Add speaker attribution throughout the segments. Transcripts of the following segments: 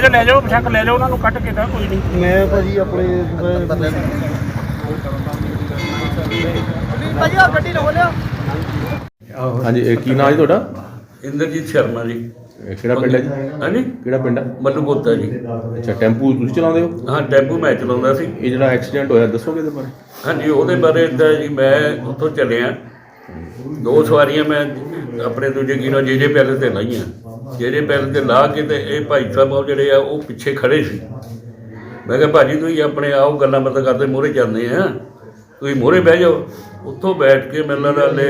Speaker 1: ਲੈ ਜਾਓ ਬੇਸ਼ੱਕ ਲੈ ਜਾਓ ਉਹਨਾਂ ਨੂੰ ਕੱਢ ਕੇ ਤਾਂ ਕੋਈ ਨਹੀਂ।
Speaker 2: ਮੈਂ ਭਾਜੀ ਆਪਣੇ
Speaker 3: ਭਾਜੀ ਆ ਗੱਡੀ ਲਓ ਲਿਆ।
Speaker 4: ਹਾਂਜੀ ਇਹ ਕੀ ਨਾਂ ਜੀ ਤੁਹਾਡਾ?
Speaker 5: ਇੰਦਰਜੀਤ ਸ਼ਰਮਾ ਜੀ।
Speaker 4: ਇਹ ਕਿਹੜਾ ਪਿੰਡ ਹੈ ਜੀ?
Speaker 5: ਹਾਂਜੀ
Speaker 4: ਕਿਹੜਾ ਪਿੰਡ ਹੈ?
Speaker 5: ਮੱਲੂਪੋਤਾ ਜੀ।
Speaker 4: ਅੱਛਾ ਟੈਂਪੂ ਤੁਸੀਂ ਚਲਾਉਂਦੇ ਹੋ?
Speaker 5: ਹਾਂ ਟੈਂਪੂ ਮੈਂ ਚਲਾਉਂਦਾ ਸੀ।
Speaker 4: ਇਹ ਜਿਹੜਾ ਐਕਸੀਡੈਂਟ ਹੋਇਆ ਦੱਸੋਗੇ ਇਹਦੇ ਬਾਰੇ?
Speaker 5: ਹਾਂਜੀ ਉਹਦੇ ਬਾਰੇ ਇੱਦਾਂ ਜੀ, ਮੈਂ ਉੱਥੋਂ ਚੱਲਿਆ, 2 ਸਵਾਰੀਆਂ ਮੈਂ ਆਪਣੇ ਦੂਜੇ ਕਿਨੋਂ ਜੇ ਪੈਲਸ 'ਤੇ ਲਾਈਆਂ। ਜੇ ਪੈਲਸ 'ਤੇ ਲਾ ਕੇ ਤੇ ਇਹ ਭਾਈ ਸਾਹਿਬ ਉਹ ਜਿਹੜੇ ਆ ਉਹ ਪਿੱਛੇ ਖੜ੍ਹੇ ਸੀ। ਮੈਂ ਕਿਹਾ ਭਾਜੀ ਤੁਸੀਂ ਆਪਣੇ ਆਓ ਗੱਲਾਂ ਬਾਤਾਂ ਕਰਦੇ ਮੂਹਰੇ ਜਾਂਦੇ ਆ, ਤੁਸੀਂ ਮੂਹਰੇ ਬਹਿ ਜਾਓ। ਉੱਥੋਂ ਬੈਠ ਕੇ ਮੈਨੂੰ ਲੱਗਦਾ ਹਲੇ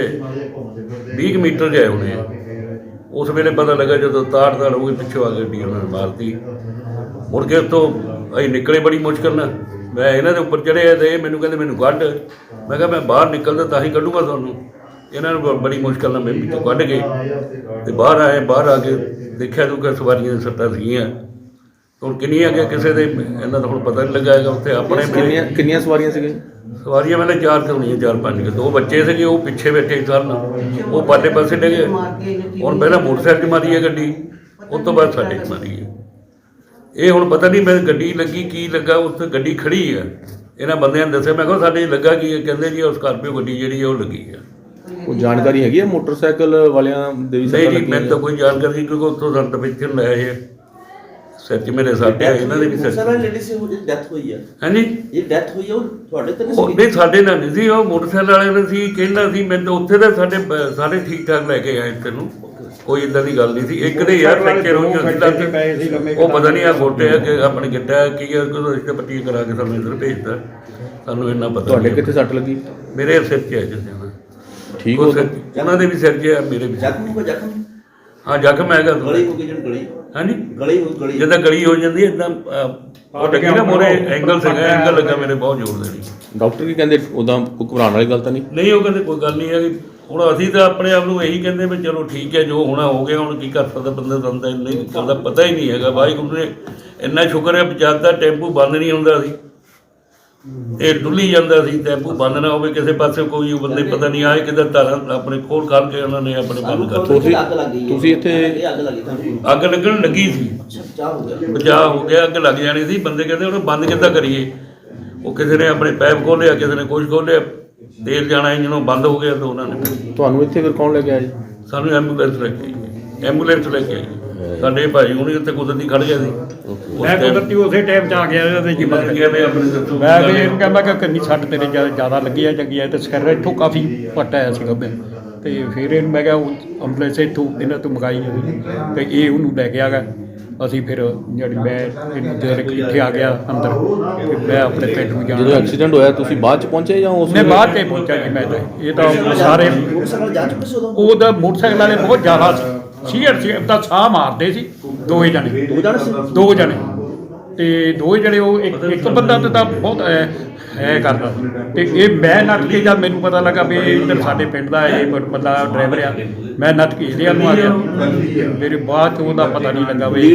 Speaker 5: 20 ਮੀਟਰ ਗਏ ਹੋਣੇ ਆ। ਉਸ ਵੇਲੇ ਪਤਾ ਲੱਗਾ ਜਦੋਂ ਤਾੜ ਹੋ ਗਈ, ਪਿੱਛੋਂ ਆ ਕੇ ਗੱਡੀ ਉਹਨਾਂ ਨੇ ਮਾਰਤੀ। ਮੁੜ ਕੇ ਉੱਥੋਂ ਅਸੀਂ ਨਿਕਲੇ ਬੜੀ ਮੁਸ਼ਕਿਲ ਨਾਲ। ਮੈਂ ਇਹਨਾਂ ਦੇ ਉੱਪਰ ਚੜ੍ਹਿਆ ਤੇ ਇਹ ਮੈਨੂੰ ਕਹਿੰਦੇ ਮੈਨੂੰ ਕੱਢ। ਮੈਂ ਕਿਹਾ ਮੈਂ ਬਾਹਰ ਨਿਕਲਦਾ ਤਾਂ ਹੀ ਕੱਢੂਗਾ ਤੁਹਾਨੂੰ। ਇਹਨਾਂ ਨੂੰ ਬੜੀ ਮੁਸ਼ਕਿਲ ਨਾਲ ਮੈਂ ਵਿੱਚੋਂ ਕੱਢ ਕੇ ਤੇ ਬਾਹਰ ਆਏ। ਬਾਹਰ ਆ ਕੇ ਦੇਖਿਆ ਤੂੰ ਕਿ ਸਵਾਰੀਆਂ ਦੀਆਂ ਸੱਟਾਂ ਸੀਗੀਆਂ। ਹੁਣ ਕਿੰਨੀਆਂ ਕਿ ਕਿਸੇ ਦੇ ਇਹਨਾਂ ਦਾ ਹੁਣ ਪਤਾ ਨਹੀਂ ਲੱਗਾ ਹੈਗਾ। ਉੱਥੇ ਆਪਣੇ
Speaker 4: ਕਿੰਨੀਆਂ ਸਵਾਰੀਆਂ ਸੀਗੀਆਂ?
Speaker 5: ਸਵਾਰੀਆਂ ਮੈਨੇ 4 ਤੇ ਹੋਣੀਆਂ, 4-5 ਕੇ। 2 ਬੱਚੇ ਸੀਗੇ ਉਹ ਪਿੱਛੇ ਬੈਠੇ ਸਨ, ਉਹ ਪਾਲੇ ਪਾਸੇ ਡਿੱਗੇ। ਹੁਣ ਪਹਿਲਾਂ ਮੋਟਰਸਾਈਕਲ 'ਚ ਮਾਰੀ ਹੈ ਗੱਡੀ, ਉਸ ਤੋਂ ਬਾਅਦ ਸਾਡੇ 'ਚ ਮਾਰੀ ਹੈ। ਇਹ ਹੁਣ ਪਤਾ ਨਹੀਂ ਮੈਂ ਗੱਡੀ ਲੱਗੀ ਕੀ ਲੱਗਾ, ਉੱਥੇ ਗੱਡੀ ਖੜੀ ਆ। ਇਹਨਾਂ ਬੰਦਿਆਂ ਨੇ ਦੱਸਿਆ, ਮੈਂ ਕਿਹਾ ਸਾਡੇ ਲੱਗਾ ਕੀ ਹੈ? ਕਹਿੰਦੇ ਜੀ ਉਹ ਸਕਾਰਪੀਓ ਗੱਡੀ ਜਿਹੜੀ ਹੈ ਉਹ ਲੱਗੀ ਆ।
Speaker 4: ਉਹ ਜਾਣਕਾਰੀ ਹੈਗੀ ਹੈ ਮੋਟਰਸਾਈਕਲ ਵਾਲਿਆਂ ਦੇ ਵੀ?
Speaker 5: ਨਹੀਂ ਜੀ ਮੈਨੂੰ ਤਾਂ ਕੋਈ ਜਾਣਕਾਰੀ ਨਹੀਂ, ਕਿਉਂਕਿ ਉੱਥੋਂ ਸੰਤ ਪਿੱਛੇ ਲੈ ਆਏ ਸਿਰ 'ਚ ਮੇਰੇ ਸੱਟ ਹੈ, ਇਹਨਾਂ ਦੇ ਵੀ ਸਿਰ 'ਚ।
Speaker 2: ਡੈਥ ਹੋਈ ਹੈ।
Speaker 5: ਹਾਂਜੀ
Speaker 2: ਇਹ ਡੈਥ ਹੋਈ ਹੈ ਉਹ ਤੁਹਾਡੇ ਤੇ
Speaker 5: ਨਹੀਂ ਸਾਡੇ ਨਾਲ ਨਹੀਂ ਸੀ, ਉਹ ਮੋਟਰਸਾਈਕਲ ਵਾਲੇ ਨੇ ਸੀ। ਕਹਿੰਦਾ ਸੀ ਮੈਨੂੰ ਉੱਥੇ ਤਾਂ ਸਾਡੇ ਠੀਕ ਠਾਕ ਲੈ ਕੇ ਆਏ ਤੈਨੂੰ, ਕੋਈ ਇੱਦਾਂ ਦੀ ਗੱਲ ਨਹੀਂ ਸੀ। ਇੱਕ ਦੇ ਯਾਰ ਫ੍ਰੈਕਚਰ ਹੋਈ ਹੁੰਦੀ ਲੱਤ, ਉਹ ਪਤਾ ਨਹੀਂ ਆ ਗੋਟੇ ਆ ਕਿ ਆਪਣੇ ਗਿੱਟਾ ਕੀ ਆ, ਰਿਸ਼ਤੇ ਪੱਟੀ ਕਰਾ ਕੇ ਸਾਨੂੰ ਇੱਧਰ ਭੇਜਦਾ। ਸਾਨੂੰ ਇੰਨਾ ਪਤਾ।
Speaker 4: ਤੁਹਾਡੇ ਕਿੱਥੇ ਸੱਟ ਲੱਗੀ?
Speaker 5: ਮੇਰੇ ਸਿਰ 'ਚ ਹੈ ਜਿੱਦਾਂ
Speaker 4: ਠੀਕ ਹੋ?
Speaker 5: ਉਹਨਾਂ ਦੇ ਵੀ ਸਿਰ 'ਚ ਆ, ਮੇਰੇ ਵੀ।
Speaker 2: ਜ਼ਖਮ
Speaker 5: ਹਾਂ ਜ਼ਖਮ ਹੈਗਾ।
Speaker 2: ਗਲੀ ਹੋ ਗਈ ਜਿਹੜੀ ਗਲੀ।
Speaker 5: ਹਾਂਜੀ
Speaker 2: ਗਲੀ
Speaker 5: ਜਿੱਦਾਂ ਗਲੀ ਹੋ ਜਾਂਦੀ ਹੈ ਇੱਦਾਂ ਉਹ ਲੱਗੀ ਨਾ ਮੋਰੇ ਐਂਗਲ ਸੀਗਾ, ਐਂਗਲ ਲੱਗਾ ਮੇਰੇ ਬਹੁਤ ਜ਼ੋਰ ਦੇ ਨਹੀਂ।
Speaker 4: ਡਾਕਟਰ ਕੀ ਕਹਿੰਦੇ? ਉਹਦਾ ਕੋਈ ਘਬਰਾਉਣ ਵਾਲੀ ਗੱਲ ਤਾਂ ਨਹੀਂ?
Speaker 5: ਨਹੀਂ ਉਹ ਕਹਿੰਦੇ ਕੋਈ ਗੱਲ ਨਹੀਂ ਹੈਗੀ। ਹੁਣ ਅਸੀਂ ਤਾਂ ਆਪਣੇ ਆਪ ਨੂੰ ਇਹੀ ਕਹਿੰਦੇ ਵੀ ਚਲੋ ਠੀਕ ਹੈ, ਜੋ ਹੋਣਾ ਹੋ ਗਿਆ। ਹੁਣ ਕੀ ਕਰ ਸਕਦਾ ਬੰਦੇ ਦਾ ਇੰਨੀ ਗੱਲ ਦਾ ਪਤਾ ਹੀ ਨਹੀਂ ਹੈਗਾ। ਵਾਹਿਗੁਰੂ ਨੇ ਇੰਨਾ ਸ਼ੁਕਰ ਹੈ ਬਚਾਤਾ, ਟੈਂਪੂ ਬੰਦ ਨਹੀਂ ਹੁੰਦਾ ਸੀ, ਇਹ ਡੁੱਲੀ ਜਾਂਦਾ ਸੀ। ਟੈਂਪੂ ਬੰਦ ਨਾ ਹੋਵੇ ਕਿਸੇ ਪਾਸੇ, ਕੋਈ ਬੰਦੇ ਪਤਾ ਨਹੀਂ ਆਏ ਕਿੱਧਰ ਧਾਰਾਂ ਆਪਣੇ ਖੋਲ ਕਰਕੇ ਉਹਨਾਂ ਨੇ ਆਪਣੇ ਬੰਦ ਕਰ ਦਿੱਤੇ।
Speaker 4: ਤੁਸੀਂ ਇੱਥੇ
Speaker 5: ਅੱਗ ਲੱਗਣ ਲੱਗੀ ਸੀ, ਬਚਾਅ ਹੋ ਗਿਆ। ਅੱਗ ਲੱਗ ਜਾਣੀ ਸੀ। ਬੰਦੇ ਕਹਿੰਦੇ ਉਹਨੂੰ ਬੰਦ ਕਿੱਦਾਂ ਕਰੀਏ? ਉਹ ਕਿਸੇ ਨੇ ਆਪਣੇ ਪੈਪ ਖੋਲ੍ਹਿਆ, ਕਿਸੇ ਨੇ ਕੁਛ ਖੋਲ੍ਹਿਆ, ਤੇਲ ਜਾਣਾ ਇੰਜਣੋਂ ਬੰਦ ਹੋ ਗਿਆ। ਤਾਂ ਉਹਨਾਂ ਨੇ
Speaker 4: ਤੁਹਾਨੂੰ ਇੱਥੇ ਫਿਰ ਕੌਣ ਲੈ ਕੇ ਆਇਆ ਜੀ?
Speaker 5: ਸਾਨੂੰ ਐਂਬੂਲੈਂਸ ਲੈ ਕੇ ਆਈ। ਐਂਬੂਲੈਂਸ ਲੈ ਕੇ ਆਈ ਸਾਡੇ ਭਾਈ ਹੁਣੀ ਉੱਥੇ ਕੁਦਰਤੀ ਖੜ੍ਹ ਗਿਆ ਸੀ।
Speaker 1: ਮੈਂ ਕੁਦਰਤੀ ਉਸੇ ਟਾਈਮ 'ਚ ਆ ਗਿਆ ਇਹਦੇ ਜੀ
Speaker 5: ਮੈਂ
Speaker 1: ਵੀ ਇਹਨੂੰ ਕਹਿੰਦਾ ਕਿ ਕਿੰਨੀ ਸੱਟ ਤੇਰੇ ਜ਼ਿਆਦਾ ਲੱਗੀ ਹੈ ਚੰਗੀ ਹੈ, ਤੇ ਸਿਰ ਇੱਥੋਂ ਕਾਫੀ ਪੱਟ ਆਇਆ ਸੀ ਗੱਭੇ। ਤੇ ਫਿਰ ਇਹਨੂੰ ਮੈਂ ਕਿਹਾ ਐਂਬੂਲੈਂਸ ਇੱਥੋਂ ਇਹਨਾਂ ਤੋਂ ਮੰਗਾਈ ਤੇ ਇਹ ਉਹਨੂੰ ਲੈ ਕੇ ਆ ਗਿਆ। ਅਸੀਂ ਫਿਰ ਜਿਹੜੀ ਮੈਂ ਇੱਥੇ ਆ ਗਿਆ ਅੰਦਰ, ਮੈਂ ਆਪਣੇ ਪਿੰਡ ਨੂੰ ਜਾਣਾ।
Speaker 4: ਜਦੋਂ ਐਕਸੀਡੈਂਟ ਹੋਇਆ ਤੁਸੀਂ ਬਾਅਦ 'ਚ ਪਹੁੰਚੇ ਜਾਂ ਉਸ
Speaker 1: ਨਹੀਂ ਬਾਅਦ 'ਚ ਪਹੁੰਚਿਆ ਜੀ ਮੈਂ ਤਾਂ। ਇਹ ਤਾਂ ਸਾਰੇ ਉਹਦਾ ਮੋਟਰਸਾਈਕਲ ਵਾਲੇ ਬਹੁਤ ਜ਼ਿਆਦਾ ਸੀ ਤਾਂ ਸਾਹ ਮਾਰਦੇ ਸੀ। 2 ਜਣੇ ਤੇ 2 ਜਣੇ ਉਹ ਇੱਕ ਬੰਦਾ ਤਾਂ ਬਹੁਤ ਹੈ ਕਰਦਾ ਸੀ। ਤੇ ਇਹ ਮੈਂ ਨੱਠ ਕੇ ਜਦ ਮੈਨੂੰ ਪਤਾ ਲੱਗਾ ਵੀ ਇੱਧਰ ਸਾਡੇ ਪਿੰਡ ਦਾ ਇਹ ਬੰਦਾ ਡਰਾਈਵਰ ਆ, ਮੈਂ ਨੱਠ ਕੇ ਇਹਦੇ ਨੂੰ ਆ ਗਿਆ। ਮੇਰੇ ਬਾਅਦ 'ਚ ਉਹਦਾ ਪਤਾ ਨਹੀਂ ਲੱਗਾ ਵੀ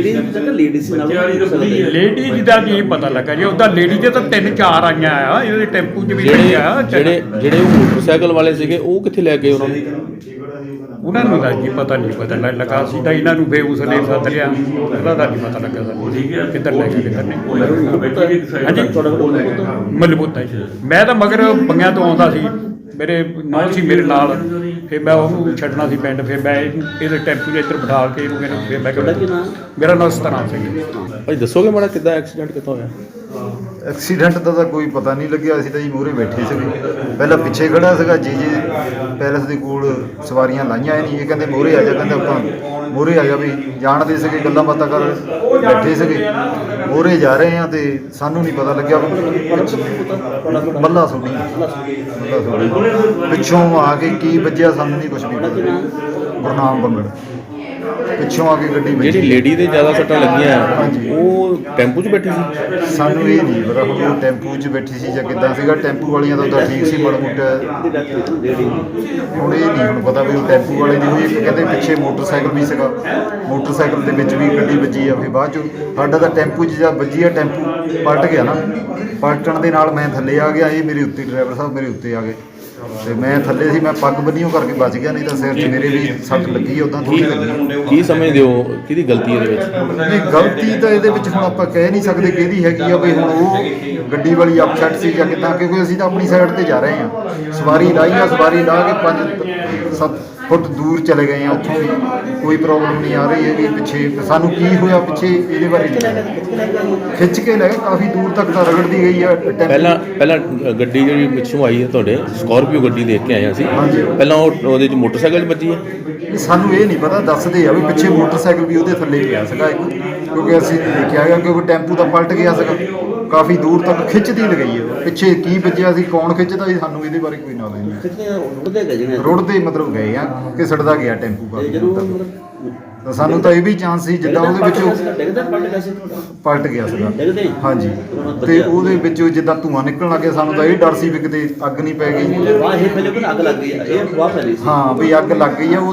Speaker 1: ਲੇਡੀ ਜਿਹਦਾ ਨਹੀਂ ਪਤਾ ਲੱਗਾ ਜੀ। ਉਹਦਾ ਲੇਡੀ ਦੇ ਤਾਂ 3-4 ਆਈਆਂ ਆ, ਇਹਦੇ ਟੈਂਪੂ 'ਚ ਵੀ ਆ।
Speaker 4: ਜਿਹੜੇ ਉਹ ਮੋਟਰਸਾਈਕਲ ਵਾਲੇ ਸੀਗੇ ਉਹ ਕਿੱਥੇ ਲੈ ਗਏ ਉਹਨਾਂ ਨੂੰ?
Speaker 1: ਉਹਨਾਂ ਨੂੰ ਤਾਂ ਜੀ ਪਤਾ ਲੱਗਾ ਸੀ ਤਾਂ ਇਹਨਾਂ ਨੂੰ ਬੇਉਸਲੇ ਸੱਦ ਲਿਆ। ਉਹਦਾ ਤਾਂ ਨਹੀਂ ਪਤਾ ਲੱਗਾ ਸਾਨੂੰ ਕਿੱਧਰ ਲੈ ਕੇ ਕਿੱਧਰ ਨਹੀਂ। ਹਾਂਜੀ ਮਲਬੂਤਾ ਜੀ। ਮੈਂ ਤਾਂ ਮਗਰ ਬੰਗਿਆਂ ਤੋਂ ਆਉਂਦਾ ਸੀ, ਮੇਰੇ ਨਾਲ ਸੀ ਮੇਰੇ ਨਾਲ। ਫਿਰ ਮੈਂ ਉਹਨੂੰ ਛੱਡਣਾ ਸੀ ਪਿੰਡ। ਫਿਰ ਮੈਂ ਇਹਦੇ ਟੈਂਪੂ 'ਚ ਇੱਧਰ ਬਿਠਾ ਕੇ ਇਹਨੂੰ ਕਹਿੰਦਾ ਫਿਰ ਮੈਂ ਕਿਹਾ ਮੇਰਾ ਨਾਮ ਸਤਨਾਮ ਸਿੰਘ।
Speaker 4: ਭਾਈ ਦੱਸੋਗੇ ਮਾੜਾ ਕਿੱਦਾਂ ਐਕਸੀਡੈਂਟ ਕਿੱਥੋਂ ਹੋਇਆ?
Speaker 6: ਐਕਸੀਡੈਂਟ ਦਾ ਤਾਂ ਕੋਈ ਪਤਾ ਨਹੀਂ ਲੱਗਿਆ। ਅਸੀਂ ਤਾਂ ਜੀ ਮੂਹਰੇ ਬੈਠੇ ਸੀਗੇ, ਪਹਿਲਾਂ ਪਿੱਛੇ ਖੜਾ ਸੀਗਾ ਜੀ ਪੈਲਸ ਦੇ ਕੋਲ ਸਵਾਰੀਆਂ ਲਾਈਆਂ ਨਹੀਂ। ਇਹ ਕਹਿੰਦੇ ਮੂਹਰੇ ਆ ਜਾ, ਕਹਿੰਦੇ ਆਪਾਂ ਮੂਹਰੇ ਆ ਜਾ ਵੀ ਜਾਣਦੇ ਸੀਗੇ, ਗੱਲਾਂ ਬਾਤਾਂ ਕਰ ਬੈਠੇ ਸੀਗੇ। ਮੂਹਰੇ ਜਾ ਰਹੇ ਆ ਤੇ ਸਾਨੂੰ ਨਹੀਂ ਪਤਾ ਲੱਗਿਆ। ਮੱਲਾ ਸੋਢੀ ਪਿੱਛੋਂ ਆ ਕੇ ਕੀ ਵੱਜਿਆ ਸਾਨੂੰ ਨਹੀਂ ਕੁਛ ਵੀ ਪਤਾ। ਗੁਰਨਾਮ ਬੰਗੜ ਪਿੱਛੋਂ ਆ ਕੇ ਗੱਡੀ ਵੱਜੀ।
Speaker 4: ਜਿਹੜੀ ਲੇਡੀ ਦੇ ਜ਼ਿਆਦਾ ਸੱਟਾਂ ਲੱਗੀਆਂ ਉਹ ਟੈਂਪੂ 'ਚ ਬੈਠੀ ਸੀ?
Speaker 6: ਸਾਨੂੰ ਇਹ ਨਹੀਂ ਪਤਾ ਹੁਣ ਉਹ ਟੈਂਪੂ 'ਚ ਬੈਠੀ ਸੀ ਜਾਂ ਕਿੱਦਾਂ ਸੀਗਾ। ਟੈਂਪੂ ਵਾਲੀਆਂ ਦਾ ਤਾਂ ਠੀਕ ਸੀ ਮਾੜਾ ਮੋਟਾ। ਹੁਣ ਇਹ ਨਹੀਂ ਹੁਣ ਪਤਾ ਵੀ ਉਹ ਟੈਂਪੂ ਵਾਲੇ ਦੀ ਹੋਈ। ਇੱਕ ਕਹਿੰਦੇ ਪਿੱਛੇ ਮੋਟਰਸਾਈਕਲ ਵੀ ਸੀਗਾ, ਮੋਟਰਸਾਈਕਲ ਦੇ ਵਿੱਚ ਵੀ ਗੱਡੀ ਵੱਜੀ ਆ। ਫਿਰ ਬਾਅਦ 'ਚੋਂ ਸਾਡਾ ਤਾਂ ਟੈਂਪੂ 'ਚ ਜਾਂ ਵੱਜੀ ਆ, ਟੈਂਪੂ ਪਲਟ ਗਿਆ ਨਾ। ਪਲਟਣ ਦੇ ਨਾਲ ਮੈਂ ਥੱਲੇ ਆ ਗਿਆ, ਇਹ ਮੇਰੇ ਉੱਤੇ ਡਰਾਈਵਰ ਸਾਹਿਬ ਮੇਰੇ ਉੱਤੇ ਆ ਗਏ। ਤੇ ਮੈਂ ਥੱਲੇ ਸੀ, ਮੈਂ ਪੱਗ ਬੰਨੀਓ ਕਰਕੇ ਬਚ ਗਿਆ, ਨਹੀਂ ਤਾਂ ਸਿਰ 'ਚ ਮੇਰੇ ਵੀ ਸੱਟ ਲੱਗੀ ਉਦਾਂ ਥੋੜ੍ਹੀ ਲੱਗੀ।
Speaker 4: ਕੀ ਸਮਝਦੇ ਹੋ ਕਿਹਦੀ ਗਲਤੀ ਇਹਦੇ ਵਿੱਚ?
Speaker 6: ਨਹੀਂ ਗਲਤੀ ਤਾਂ ਇਹਦੇ ਵਿੱਚ ਹੁਣ ਆਪਾਂ ਕਹਿ ਨਹੀਂ ਸਕਦੇ ਕਿਹਦੀ ਹੈਗੀ ਆ ਵੀ ਹੁਣ ਉਹ ਗੱਡੀ ਵਾਲੀ ਅਪਸੈਟ ਸੀ ਜਾਂ ਕਿੱਦਾਂ, ਕਿਉਂਕਿ ਅਸੀਂ ਤਾਂ ਆਪਣੀ ਸਾਈਡ ਤੇ ਜਾ ਰਹੇ ਹਾਂ, ਸਵਾਰੀ ਲਾਈ ਆ, ਸਵਾਰੀ ਲਾ ਕੇ 5-7 ਫੁੱਟ ਦੂਰ ਚਲੇ ਗਏ ਆ, ਉੱਥੋਂ ਵੀ ਕੋਈ ਪ੍ਰੋਬਲਮ ਨਹੀਂ ਆ ਰਹੀ ਹੈਗੀ। ਪਿੱਛੇ ਸਾਨੂੰ ਕੀ ਹੋਇਆ ਪਿੱਛੇ ਇਹਦੇ ਬਾਰੇ ਨਹੀਂ, ਖਿੱਚ ਕੇ ਲੈ ਗਏ ਕਾਫੀ ਦੂਰ ਤੱਕ ਤਾਂ ਰਗੜਦੀ ਗਈ ਆ
Speaker 4: ਪਹਿਲਾਂ ਗੱਡੀ ਜਿਹੜੀ ਪਿੱਛੋਂ ਆਈ ਹੈ ਤੁਹਾਡੇ ਸਕਾਰਪੀਓ ਗੱਡੀ ਦੇਖ ਕੇ ਆਏ ਅਸੀਂ,
Speaker 6: ਹਾਂਜੀ।
Speaker 4: ਪਹਿਲਾਂ ਉਹਦੇ 'ਚ ਮੋਟਰਸਾਈਕਲ 'ਚ ਵੱਜੀ ਹੈ?
Speaker 6: ਸਾਨੂੰ ਇਹ ਨਹੀਂ ਪਤਾ, ਦੱਸਦੇ ਆ ਵੀ ਪਿੱਛੇ ਮੋਟਰਸਾਈਕਲ ਵੀ ਉਹਦੇ ਥੱਲੇ ਪਿਆ ਸੀਗਾ ਇੱਕ, ਕਿਉਂਕਿ ਅਸੀਂ ਦੇਖਿਆ ਹੈਗਾ ਕਿ ਉਹ ਟੈਂਪੂ ਤਾਂ ਪਲਟ ਗਿਆ ਸੀਗਾ, ਕਾਫੀ ਦੂਰ ਤੱਕ ਖਿੱਚਦੀ ਲਗਾਈ ਹੈ। ਪਿੱਛੇ ਕੀ ਵੱਜਿਆ ਸੀ, ਕੌਣ ਖਿੱਚਦਾ ਸੀ, ਸਾਨੂੰ ਇਹਦੇ ਬਾਰੇ ਕੋਈ ਨੌਲੇਜ ਨਹੀਂ।
Speaker 2: ਕਿਤੇ ਰੁੜਦੇ ਗਏ ਜਿਹਨੇ
Speaker 6: ਰੁੜਦੇ ਮਤਲਬ ਗਏ ਆ ਕਿ ਸੜਦਾ ਗਿਆ ਟੈਂਪੂ
Speaker 2: ਤੇ
Speaker 6: ਕਾਫੀ
Speaker 2: ਜਦੋਂ
Speaker 6: ਦੂਰ ਤੱਕ।
Speaker 2: ਮਤਲਬ
Speaker 6: ਤਾਂ ਸਾਨੂੰ ਤਾਂ ਇਹ ਵੀ ਚਾਂਸ ਸੀ ਜਿੱਦਾਂ ਉਹਦੇ ਵਿੱਚੋਂ
Speaker 2: ਡਿੱਗਦਾ ਪਲਟ ਗਿਆ ਸੀ ਤੁਹਾਡਾ
Speaker 6: ਪਲਟ ਗਿਆ ਸੀਗਾ,
Speaker 2: ਡਿੱਗਦੇ ਹੀ?
Speaker 6: ਹਾਂਜੀ। ਤੇ ਉਹਦੇ ਵਿੱਚੋਂ ਜਿੱਦਾਂ ਧੂੰਆਂ ਨਿਕਲਣ ਲੱਗਿਆ, ਸਾਨੂੰ ਤਾਂ ਇਹ ਡਰ ਸੀ ਵੀ ਕਿਤੇ ਅੱਗ ਨਹੀਂ ਪੈ ਗਈ।
Speaker 2: ਵਾਹ ਇਹ ਪਹਿਲੇ ਕੋਲ ਅੱਗ ਲੱਗ ਗਈ ਆ, ਇਹ ਵਾਹ ਫੈਲੀ ਸੀ।
Speaker 6: ਹਾਂ ਵੀ ਅੱਗ ਲੱਗ ਗਈ ਆ।